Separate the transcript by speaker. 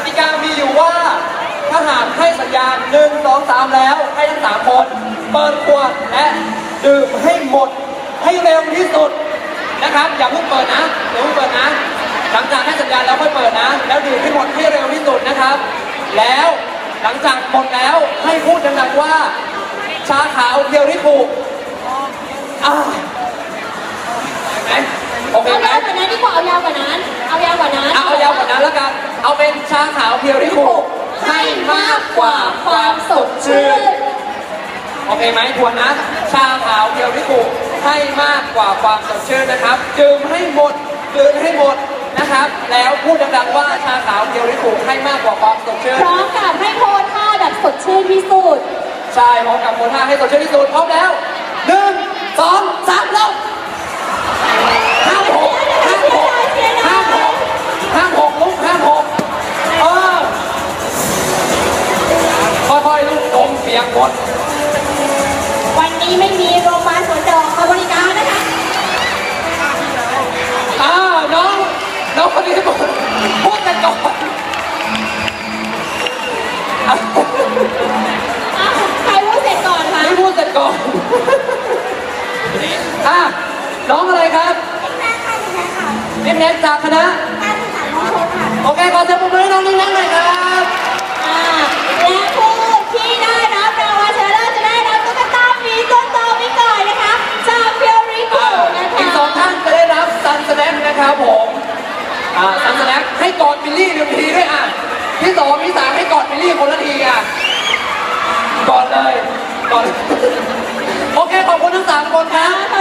Speaker 1: ติกามีอยู่ว่าถ้าหากให้สัญญาณ1 2 3แล้วให้ทั้ง3คนเปิดขวดและดื่มให้หมดให้เร็วที่สุดนะครับอย่าเพิ่งเปิดนะอย่าเพิ่งเปิดนะหลังจากให้สัญญาณแล้วค่อยเปิดนะแล้วดื่มให้หมดให้เร็วที่สุดนะครับแล้วหลังจากหมดแล้วให้พูดดังๆว่าชาขาวเพียวริคุโอเคไหม
Speaker 2: เอายาวกว่านั้นดีกว่าเอายาวกว่านั้นเอายาวกว่านั้น
Speaker 1: เอายาวกว่านั้นแล้วกันเอาเป็นชาขาวเพียวริคุให้มากกว่าความสดชื่นโอเคไหมทวนนะชาขาวเพียวริคุให้มากกว่าความสดชื่นนะครับดื่มให้หมดดื่มให้หมดนะครับแล้วพูดดังๆว่าชาขาวเพียวริคุให้มากกว่าความสดชื่น
Speaker 2: พร้อมกับให้โพสท่าแบบสดชื่นที่สุด
Speaker 1: ใช่พร้อมกับโพสท่าให้สดชื่นที่สุดพร้อมแล้ว1 2 3แล้วห้ามหกลุกห้ามหกค่อยๆลุกลงเปียกหมด
Speaker 2: วันนี้ไม่มีโรงพยาบาลสวนดอกมาบริการนะคะ
Speaker 1: น้องคนนี้พูดกันก่อน
Speaker 2: ใครพูดเสร็จก่อนคะ
Speaker 1: ไม่พูดเสร็จก่อนน้องอะไรครับนิ่มแน็กจากคณะโอเคขอเสียงปรบมือให้น้องนิ่มแน็กหน่อยครับ
Speaker 2: และผู้ที่ได้รับรางวัลชนะเลิศจะได้รับตุ๊กตาหมีตัวโตไปก่อนนะคะจากเพียวริคุนะคะ
Speaker 1: อีก2 ท่านจะได้รับซันสแน็คนะครับผมซันสแน็คให้กอดบิลลี่1 ทีด้วยที่2 ที่ 3ให้กอดบิลลี่คนละทีกอดเลยโอเคขอบคุณทั้ง3 คนครับ